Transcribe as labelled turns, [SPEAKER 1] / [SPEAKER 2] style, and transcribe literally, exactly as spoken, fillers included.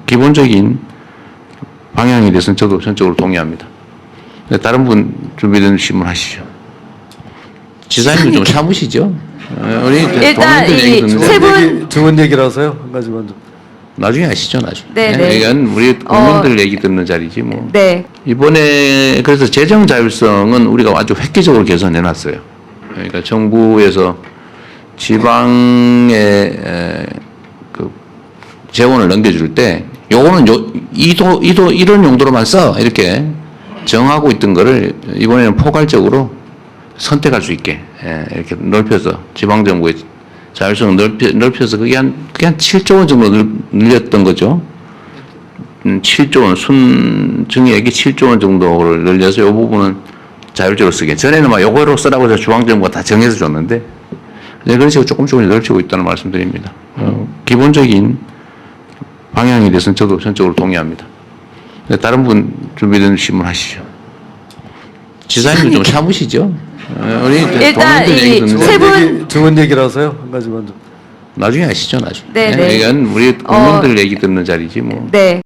[SPEAKER 1] 기본적인 방향에 대해서는 저도 전적으로 동의합니다. 다른 분 준비된 질문 하시죠. 지사님도 좀 참으시죠. 우리
[SPEAKER 2] 일단
[SPEAKER 1] 동료들 얘기
[SPEAKER 2] 이
[SPEAKER 1] 듣는
[SPEAKER 2] 세
[SPEAKER 1] 거
[SPEAKER 2] 분-
[SPEAKER 3] 좋은 얘기라서요. 한 가지 먼저.
[SPEAKER 1] 나중에 하시죠, 나중에.
[SPEAKER 2] 네, 네.
[SPEAKER 1] 이건 우리 국민들
[SPEAKER 2] 어,
[SPEAKER 1] 얘기 듣는 자리지 뭐.
[SPEAKER 2] 네.
[SPEAKER 1] 이번에 그래서 재정 자율성은 우리가 아주 획기적으로 개선해 놨어요. 그러니까 정부에서 지방에 에, 그 재원을 넘겨줄 때 요거는 요 이도 이도 이런 용도로만 써 이렇게 정하고 있던 거를 이번에는 포괄적으로 선택할 수 있게 예, 이렇게 넓혀서 지방 정부의 자율성을 넓혀, 넓혀서 그게 한 그게 한 칠조 원 정도 늘, 늘렸던 거죠. 음, 칠조 원 순증액이 칠조 원 정도를 늘려서 이 부분은 자율적으로 쓰게. 전에는 막 요거로 쓰라고 해서 중앙정부가 다 정해서 줬는데 이제 그런 식으로 조금 조금 넓히고 있다는 말씀드립니다. 어, 기본적인 방향에 대해서는 저도 전적으로 동의합니다. 다른 분 준비된 질문 하시죠. 지사님도 좀 참으시죠. 어, 우리
[SPEAKER 2] 일단
[SPEAKER 1] 동료들 얘기
[SPEAKER 2] 이
[SPEAKER 1] 듣는
[SPEAKER 2] 세
[SPEAKER 1] 거
[SPEAKER 2] 분-
[SPEAKER 3] 얘기, 좋은 얘기라서요. 한 가지 먼저.
[SPEAKER 1] 나중에 하시죠, 나중에.
[SPEAKER 2] 네, 네.
[SPEAKER 1] 이건 우리 국민들 얘기 듣는 자리지 뭐.
[SPEAKER 2] 네.